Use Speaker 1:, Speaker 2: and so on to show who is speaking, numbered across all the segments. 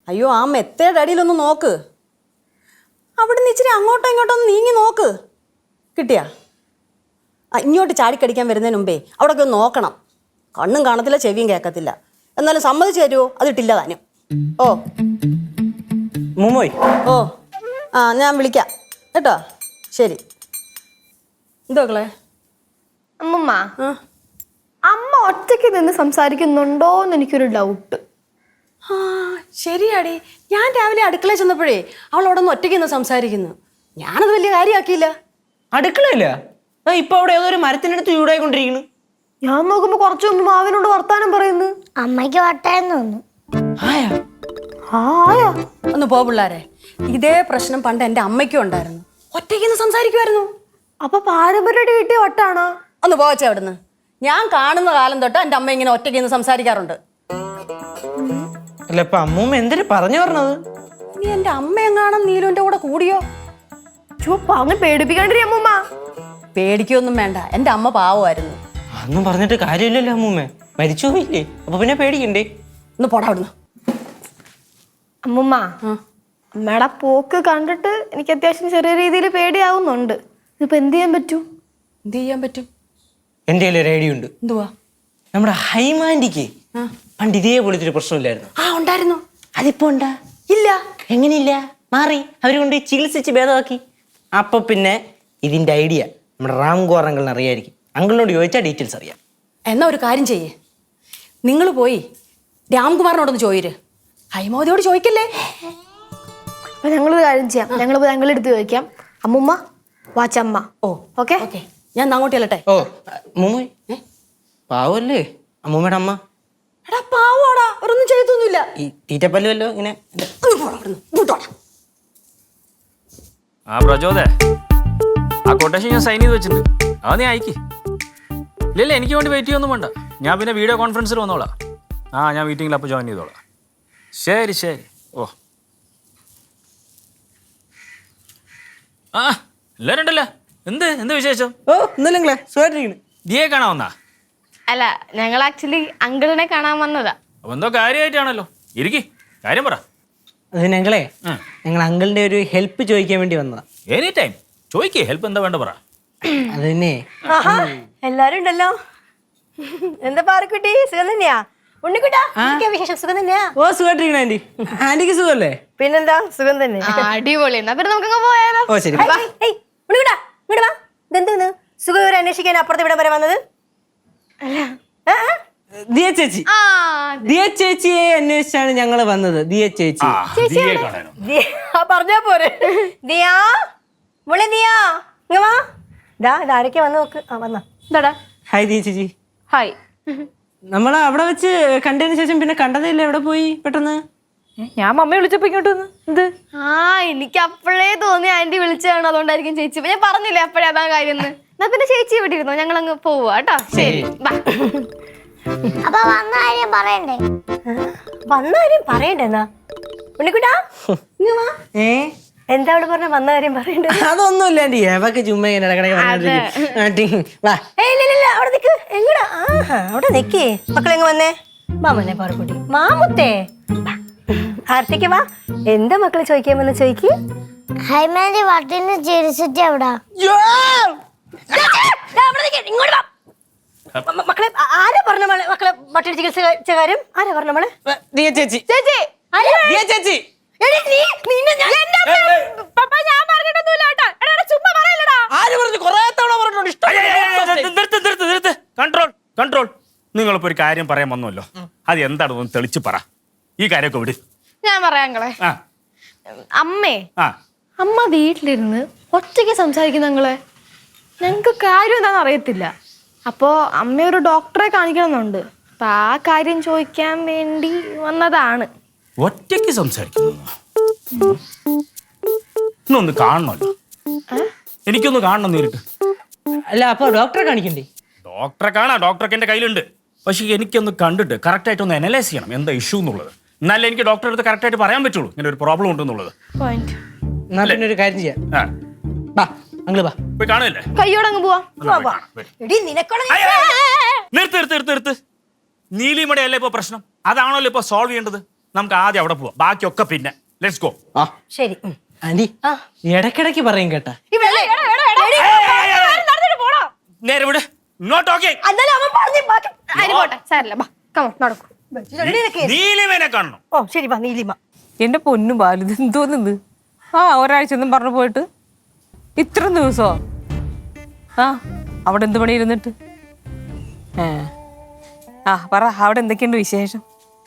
Speaker 1: അയ്യോ ആ മെത്തേഡ് അടിയിലൊന്ന് നോക്ക്. അവിടെ നിന്ന് ഇച്ചിരി അങ്ങോട്ടോ ഇങ്ങോട്ടോ ഒന്ന് നീങ്ങി നോക്ക്. കിട്ടിയാ? ഇങ്ങോട്ട് ചാടിക്കടിക്കാൻ വരുന്നതിന് മുമ്പേ അവിടെയൊക്കെ ഒന്ന് നോക്കണം. കണ്ണും കാണത്തില്ല, ചെവിയും കേൾക്കത്തില്ല. എന്നാലും സമ്മതിച്ചു തരുമോ? അതിട്ടില്ല താനും. ഓ
Speaker 2: മുമ്മോയ്.
Speaker 1: ഓ ആ ഞാൻ വിളിക്കാം കേട്ടോ. ശരി. എന്തോ മക്കളെ?
Speaker 3: അമ്മമ്മ, അമ്മ ഒറ്റയ്ക്ക് നിന്ന് സംസാരിക്കുന്നുണ്ടോന്ന് എനിക്കൊരു ഡൗട്ട്.
Speaker 1: ആ ശരിയാടി, ഞാൻ രാവിലെ അടുക്കളയിൽ ചെന്നപ്പോഴേ അവൾ അവിടെ നിന്ന് ഒറ്റയ്ക്ക് നിന്ന് സംസാരിക്കുന്നു. ഞാനത് വലിയ കാര്യമാക്കിയില്ല.
Speaker 2: അടുക്കളയില്ല, ഇപ്പൊ അവിടെ ഏതോ മരത്തിനടുത്ത് ചൂടായിക്കൊണ്ടിരിക്കുന്നു.
Speaker 3: ഞാൻ നോക്കുമ്പോ കുറച്ചു മുമ്പ് മാവിനോട് വർത്താനം പറയുന്നു.
Speaker 4: അമ്മയ്ക്ക് വട്ടായെന്ന് തോന്നുന്നു.
Speaker 2: ആയാ
Speaker 3: ആയാ
Speaker 1: ഒന്ന് പോ പിള്ളാരെ. ഇതേ പ്രശ്നം പണ്ട് എൻ്റെ അമ്മയ്ക്കും ഉണ്ടായിരുന്നു. ഒറ്റയ്ക്ക് നിന്ന് സംസാരിക്കുമായിരുന്നു.
Speaker 3: അപ്പൊ പാരമ്പര്യമായിട്ട് കിട്ടിയ വട്ടാണോ?
Speaker 1: ഒന്ന് പോവച്ചേ അവിടുന്ന്. ഞാൻ കാണുന്ന കാലം തൊട്ട് എൻ്റെ അമ്മ ഇങ്ങനെ ഒറ്റയ്ക്ക് നിന്ന് സംസാരിക്കാറുണ്ട്.
Speaker 2: അല്ല ഇപ്പൊ അമ്മൂമ്മ എന്തിനു പറഞ്ഞു പറഞ്ഞത്?
Speaker 1: നീ എൻ്റെ അമ്മയെങ്ങാനും നീലുവിൻ്റെ കൂടെ കൂടിയോ?
Speaker 3: ചുവപ്പ അങ്ങനെ പേടിപ്പിക്കാണ്ടിരി അമ്മമ്മ.
Speaker 1: പേടിക്കൊന്നും വേണ്ട, എൻ്റെ അമ്മ പാവമായിരുന്നു.
Speaker 2: അതൊന്നും പറഞ്ഞിട്ട് കാര്യമില്ലല്ലോ അമ്മൂമ്മ, മരിച്ചു പോയില്ലേ, അപ്പൊ പിന്നെ പേടിക്കണ്ടേ?
Speaker 1: ഒന്ന് പോടാ അവിടുന്ന്.
Speaker 3: അമ്മമ്മ, അമ്മയുടെ പോക്ക് കണ്ടിട്ട് എനിക്ക് അത്യാവശ്യം ചെറിയ രീതിയിൽ പേടിയാവുന്നുണ്ട്. ഇതിപ്പോ എന്ത് ചെയ്യാൻ പറ്റൂ?
Speaker 1: എന്ത് ചെയ്യാൻ പറ്റും?
Speaker 2: എന്റെ കയ്യിൽ ഒരു ഐഡിയ ഉണ്ട്.
Speaker 1: എന്തുവാ?
Speaker 2: നമ്മുടെ ഹൈമാൻഡിക്ക് പണ്ട് ഇതേപോലത്തെ ഒരു പ്രശ്നമില്ലായിരുന്നു?
Speaker 1: ആ ഉണ്ടായിരുന്നു.
Speaker 2: അതിപ്പോ ഉണ്ടാ?
Speaker 1: ഇല്ല.
Speaker 2: എങ്ങനെയില്ല? മാറി, അവര് കൊണ്ട് ചികിത്സിച്ച് ഭേദമാക്കി. അപ്പൊ പിന്നെ ഇതിന്റെ ഐഡിയ നമ്മുടെ റാംകോർ അങ്കിളിന് അറിയായിരിക്കും. അങ്കിളിനോട് ചോദിച്ചാൽ ഡീറ്റെയിൽസ് അറിയാം.
Speaker 1: എന്നാ ഒരു കാര്യം ചെയ്യേ, നിങ്ങൾ പോയി രാംകുമാറിനോടൊന്ന് ചോദിര്. ഹൈമോദിയോട് ചോദിക്കല്ലേ.
Speaker 3: അപ്പൊ ഞങ്ങളൊരു കാര്യം ചെയ്യാം, ഞങ്ങളിപ്പോ ഞങ്ങളുടെ അടുത്ത് ചോദിക്കാം. അമ്മുമ്മ വാച്ചമ്മ.
Speaker 1: ഓ
Speaker 3: ഓക്കെ
Speaker 1: ഓക്കെ, ഞാൻ അങ്ങോട്ട് ചെല്ലട്ടെ.
Speaker 2: ഓ അമ്മൂമ്മ പാവല്ലേ അമ്മൂമ്മയുടെ അമ്മ?
Speaker 1: എടാ പാവാടാ, അവരൊന്നും ചെയ്തൊന്നുമില്ല.
Speaker 2: ഈ തീറ്റപ്പല്ലുവല്ലോ ഇങ്ങനെ.
Speaker 1: ഒന്ന് പോടാ അവിടുന്ന്, ഇങ്ങോട്ടോടാ.
Speaker 5: ആ പ്രചോദേ, ആ കൊട്ടേഷൻ ഞാൻ സൈൻ ചെയ്ത് വെച്ചിട്ടുണ്ട്. അത് നീ അയക്കി. ഇല്ലല്ല, എനിക്ക് വേണ്ടി വെയിറ്റ് ചെയ്യൊന്നും വേണ്ട. ഞാൻ പിന്നെ വീഡിയോ കോൺഫറൻസിൽ വന്നോളാം. ആ ഞാൻ മീറ്റിങ്ങിൽ അപ്പോൾ ജോയിൻ ചെയ്തോളാം. ശരി ശരി. ഓ ആ എല്ലാവരും ഉണ്ടല്ലോ. എന്ത് വിശേഷം?
Speaker 2: ഓ ഇന്നലെ സുഖമായിട്ടിരിക്കുന്നു.
Speaker 5: ദിയെ കാണാൻ വന്നാ?
Speaker 3: അല്ല, ഞങ്ങൾ ആക്ച്വലി അങ്കിളിനെ കാണാൻ വന്നതാ.
Speaker 5: അപ്പൊ എന്തോ കാര്യമായിട്ടാണല്ലോ. ഇരിക്കി, കാര്യം പറ.
Speaker 2: അത് ഞങ്ങളെ അങ്കിളിന്റെ ഒരു ഹെൽപ്പ് ചോദിക്കാൻ വേണ്ടി വന്നതാ.
Speaker 5: എനി ടൈം ചോദിക്കേ, ഹെൽപ്പ് എന്താ വേണ്ട പറ.
Speaker 2: അത് തന്നെ.
Speaker 6: എല്ലാരും ഉണ്ടല്ലോ. എന്താ പാറക്കുട്ടി, സുഖം തന്നെയാ? ഉണ്ണിക്കുട്ടാ, വിശേഷം? സുഖം തന്നെയാ?
Speaker 2: ഓ സുഖമായിട്ടിരിക്കണ ആന്റി. ആന്റിക്ക് സുഖമല്ലേ?
Speaker 6: പിന്നെന്താ, സുഖം തന്നെ.
Speaker 3: അടിപൊളി. എന്നാ പിന്നെ നമുക്കങ്ങ് പോയാലോ?
Speaker 2: ഓ ശരി.
Speaker 6: ഉണ്ണിക്കുട്ടാ ഇങ്ങോട്ട് വാ. ഇതെന്ത് സുഖവിവരം അന്വേഷിക്കാൻ അപ്പുറത്ത് ഇവിടെ വരെ വന്നത്?
Speaker 2: ദിയ ചേച്ചി, ദിയ ചേച്ചിയെ അന്വേഷിച്ചാണ് ഞങ്ങള് വന്നത്. ദിയ ചേച്ചി
Speaker 5: ദിയെ കാണാനോ?
Speaker 6: പറഞ്ഞാ പോരെ. ദിയാ മോളെ, ദിയാ ഇങ്ങ വാ. ഇതാരൊക്കെ വന്ന് നോക്ക്. ആ വന്നാ.
Speaker 3: എന്താടാ?
Speaker 2: ഹായ് ദിയ ചേച്ചി.
Speaker 3: ഹായ്.
Speaker 2: നമ്മള് അവിടെ വെച്ച് കണ്ടതിന് ശേഷം പിന്നെ കണ്ടതേ ഇല്ല. എവിടെ പോയി പെട്ടെന്ന്?
Speaker 3: ഞാൻ മമ്മയെ വിളിച്ചപ്പോ ഇങ്ങോട്ട് വന്ന്. എന്ത്? എനിക്ക് അപ്പോഴേ തോന്നി ആന്റി വിളിച്ചതാണ്, അതുകൊണ്ടായിരിക്കും ചേച്ചി. ഞാൻ പറഞ്ഞില്ലേ അപ്പോഴേ അതാ കാര്യം. എന്നാ പിന്നെ ചേച്ചി ഇവിടെ ഇരുന്നോ, ഞങ്ങൾ അങ്ങ് പോവാ കേട്ടോ. ശരി.
Speaker 4: അപ്പൊ വന്ന കാര്യം പറയണ്ടേ?
Speaker 6: വന്ന കാര്യം പറയണ്ടെന്നാ? ഉണ്ണിക്കുട്ടാ ഇങ്ങ വാ. എന്താ അവിടെ പറഞ്ഞ വന്ന കാര്യം പറയണ്ടേ?
Speaker 2: അതൊന്നുമില്ല ആന്റി, ഏവൊക്കെ ചുമ്മാ ഇങ്ങനെ ഇടക്കിടക്ക് വാ.
Speaker 6: ഇല്ല അവിടെ നിക്ക്. എങ്ങടാ? അവിടെ നിക്കേ. മക്കളെങ്ങ വന്നേ? മാമനെ പാറക്കുട്ടി, മാമുത്തേ ആർത്തിക്ക് വാ. എന്താ മക്കളെ ചോദിക്കാൻ വന്ന് ചോദിക്ക്.
Speaker 4: ഹൈമാന്റെ വട്ടിന് ചിരിച്ചിട്ട് എവിടാ?
Speaker 6: മക്കളെ ആരാ പറഞ്ഞ മക്കളെ വട്ടി ചികിത്സ കാര്യം? ആരാ പറഞ്ഞ മോളെ?
Speaker 2: ദിയ ചേച്ചി.
Speaker 6: ചേച്ചി
Speaker 2: ദിയ ചേച്ചി.
Speaker 5: കൺട്രോൾ. നിങ്ങളിപ്പോ ഒരു കാര്യം പറയാൻ വന്നല്ലോ, അത് എന്താണെന്ന് തെളിച്ച് പറ. ഈ കാര്യമൊക്കെ വിട്.
Speaker 3: ഞാൻ പറയാങ്ങളെ. അമ്മ വീട്ടിലിരുന്ന് ഒറ്റയ്ക്ക് സംസാരിക്കുന്ന ഞങ്ങളെ. ഞങ്ങക്ക് കാര്യം എന്താണെന്ന് അറിയത്തില്ല. അപ്പോ അമ്മ ഒരു ഡോക്ടറെ കാണിക്കണമെന്നുണ്ട്. അപ്പൊ ആ കാര്യം ചോദിക്കാൻ വേണ്ടി വന്നതാണ്.
Speaker 5: ഒറ്റയ്ക്ക് സംസാരിക്കുന്നു? ഇന്നൊന്ന് കാണണമല്ലോ, എനിക്കൊന്ന് കാണണം നേരിട്ട്.
Speaker 2: അല്ല അപ്പൊ ഡോക്ടറെ കാണിക്കണ്ടേ?
Speaker 5: ഡോക്ടറെ കാണാം, ഡോക്ടറൊക്കെ എൻ്റെ കയ്യിലുണ്ട്. പക്ഷേ എനിക്കൊന്ന് കണ്ടിട്ട് കറക്റ്റായിട്ട് ഒന്ന് അനലൈസ് ചെയ്യണം എന്താ ഇഷ്യൂ എന്നുള്ളത്. എന്നാലേ എനിക്ക് ഡോക്ടറെ അടുത്ത് കറക്റ്റായിട്ട് പറയാൻ പറ്റുള്ളൂ ഇങ്ങനെ ഒരു പ്രോബ്ലം ഉണ്ടെന്നുള്ളത്.
Speaker 2: എന്നാ പിന്നെ ഒരു കാര്യം ചെയ്യാം. ബാ അങ്കിള് ബാ,
Speaker 5: പോയി കാണുകയല്ലേ?
Speaker 3: കയ്യോടങ്ങ് പോവാ.
Speaker 5: നിർത്ത്. നീലിമയുടെ അല്ലേ ഇപ്പൊ പ്രശ്നം? അതാണല്ലോ ഇപ്പൊ സോൾവ് ചെയ്യേണ്ടത്. നമുക്ക് ആദ്യം അവിടെ പോവാം, ബാക്കിയൊക്കെ പിന്നെ. Let's go.
Speaker 2: ആ
Speaker 6: ശരി
Speaker 2: ആന്റി ഇടയ്ക്കിടയ്ക്ക് പറയും കേട്ടാ.
Speaker 5: നേരെ വിട്, ഇങ്ങോട്ട് ഓക്കെ.
Speaker 3: പോട്ടെ സാരല്ല ബാ കമോ നടക്കും.
Speaker 5: നീലിമേനെ കാണണം.
Speaker 6: ഓ ശരി വാ നീലിമ.
Speaker 7: എന്റെ പൊന്നു ബാലു ഇത് എന്തോന്നിത്? ഒരാഴ്ച ഒന്നും പറഞ്ഞു പോയിട്ട് ഇത്ര ദിവസമോ? അവിടെ എന്ത് പണി ഇരുന്നിട്ട്? പറ, അവിടെ എന്തൊക്കെയുണ്ട് വിശേഷം?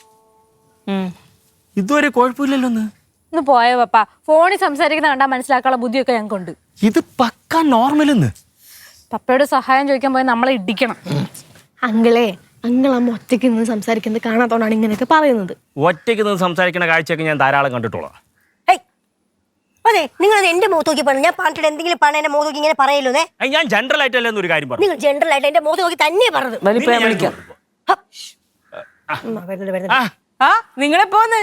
Speaker 5: ഇതുവരെ കുഴപ്പമില്ലല്ലോ.
Speaker 8: ഒന്ന് പോയോ പപ്പ, ഫോണിൽ സംസാരിക്കുന്ന കണ്ടാൽ മനസ്സിലാക്കാനുള്ള ബുദ്ധിയൊക്കെ ഞങ്ങൾക്കുണ്ട്.
Speaker 5: ഇത് പക്കാ നോർമൽ.
Speaker 8: പപ്പയോട് സഹായം ചോദിക്കാൻ പോയി നമ്മളെ ഇടിക്കണം.
Speaker 3: അങ്കിളെ അങ്കിളമ്മ ഒറ്റയ്ക്ക് നിന്ന് സംസാരിക്കുന്നത് കാണാത്തോണ്ടാണ് ഇങ്ങനെയൊക്കെ പറയുന്നത്.
Speaker 5: ഒറ്റയ്ക്ക് നിന്ന് സംസാരിക്കുന്ന കാഴ്ചയൊക്കെ ഞാൻ ധാരാളം കണ്ടിട്ടുള്ളതാ.
Speaker 6: അതെ, നിങ്ങൾ എന്റെ മുഖത്ത് നോക്കി പറഞ്ഞു. ഞാൻ പറഞ്ഞിട്ട് എന്തെങ്കിലും പറഞ്ഞ എന്റെ മുഖത്ത് നോക്കി ഇങ്ങനെ പറയല്ലോ.
Speaker 5: ഞാൻ ജനറൽ ആയിട്ടല്ലേ ഒരു കാര്യം പറഞ്ഞു.
Speaker 6: നിങ്ങൾ ജനറൽ ആയിട്ട് എന്റെ മുഖത്ത് നോക്കി തന്നെ പറഞ്ഞത്.
Speaker 7: വലിപ്പം ഞാൻ വിളിക്കാം. നിങ്ങളെ പോന്ന്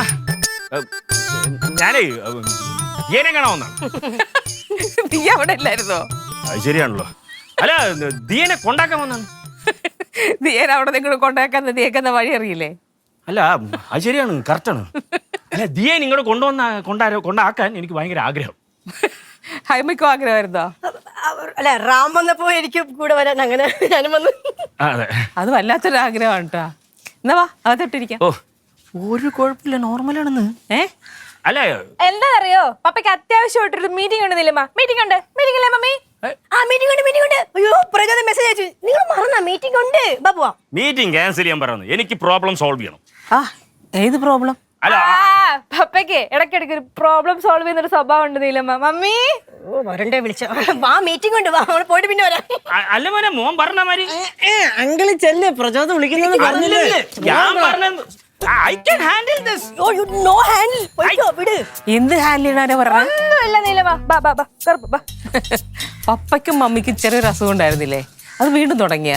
Speaker 5: ഞാനേ ദിയേനെ കാണാവുന്നാണ്.
Speaker 7: നീ അവിടെ ഇല്ലായിരുന്നോ?
Speaker 5: അത് ശരിയാണല്ലോ. അല്ല, ദിയേനെ കൊണ്ടാക്കാൻ വന്നാണ്.
Speaker 7: നീ അവിടെ നിങ്ങൾ കൊണ്ടാക്കാൻ നീക്കുന്ന വഴി അറിയില്ലേ?
Speaker 5: അല്ല, അത് ശരിയാണ്, കറക്റ്റാണ്. അല്ല, ദിയെ നിങ്ങളോട് കൊണ്ടാക്കാൻ എനിക്ക് ഭയങ്കര ആഗ്രഹം.
Speaker 7: ഹൈമയ്ക്കും ആഗ്രഹമായിരുന്നോ?
Speaker 6: അല്ല, റാം വന്നപ്പോ എനിക്ക് കൂടെ വരാൻ അങ്ങനെ ഞാനും വന്നു.
Speaker 5: അതെ,
Speaker 7: അത് വല്ലാത്തൊരു ആഗ്രഹമാണ് കേട്ടാ. എന്നാ വാ അകത്തോട്ടിരിക്കാം.
Speaker 5: ഓ ഒരു കുഴപ്പമില്ല, നോർമലാണെന്ന്. അല്ല,
Speaker 8: എന്താ അറിയോ, പപ്പയ്ക്ക് അത്യാവശ്യമായിട്ടൊരു മീറ്റിംഗ് ഉണ്ട്. നിലമ്മ മീറ്റിംഗ് ഉണ്ട്. മീറ്റിംഗ് അല്ലേ മമ്മി?
Speaker 6: മീറ്റിംഗ് ഉണ്ട്. അയ്യോ പ്രജാത മെസ്സേജ് അയച്ചു. നിങ്ങൾ മറന്നാ മീറ്റിംഗ് ഉണ്ട്. ബാബുവാ
Speaker 5: മീറ്റിംഗ് ക്യാൻസൽ ചെയ്യാൻ പറയുന്നത്. എനിക്ക് പ്രോബ്ലം സോൾവ് ചെയ്യണം.
Speaker 7: ഏത് പ്രോബ്ലം?
Speaker 5: അല്ല,
Speaker 8: പപ്പയ്ക്ക് ഇടയ്ക്കിടയ്ക്ക് ഒരു പ്രോബ്ലം സോൾവ് ചെയ്യുന്ന ഒരു സ്വഭാവം ഉണ്ട്. നീലമ്മ മമ്മി
Speaker 6: വരണ്ടേ വിളിച്ച വാ മീറ്റിംഗ് ഉണ്ട്. വാ നമ്മൾ പോയിട്ട് പിന്നെ വരാം.
Speaker 5: അല്ല മോനെ, മോൻ പറഞ്ഞ മാതിരി
Speaker 2: അങ്കിള് ചെല്ലേ, പ്രചോദനം വിളിക്കുന്നത് പറഞ്ഞില്ലേ?
Speaker 5: ഞാൻ പറഞ്ഞത് I can handle this.
Speaker 6: No handle. പോയിക്കോ വിട്.
Speaker 7: എന്ത് ഹാൻഡിൽ ചെയ്യാനാ പറഞ്ഞ?
Speaker 8: ഒന്നുമില്ല നീലമ്മ. ബാ ബാ ബാ കറുപ്പ് ബാ.
Speaker 7: പപ്പയ്ക്കും മമ്മിക്കും ചെറിയൊരു അസുഖം ഉണ്ടായിരുന്നില്ലേ? അത് വീണ്ടും തുടങ്ങിയ?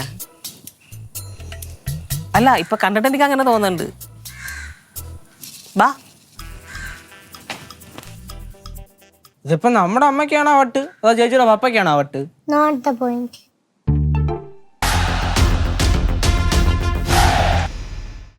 Speaker 7: അല്ല, ഇപ്പൊ കണ്ടിട്ട് എനിക്ക് അങ്ങനെ തോന്നുന്നുണ്ട്. ബാ.
Speaker 2: ഇതിപ്പോ നമ്മുടെ അമ്മയ്ക്കാണോ വട്ട് അതോ ചേച്ചിയുടെ പപ്പയ്ക്കാണോ വട്ട്?
Speaker 4: Not the point.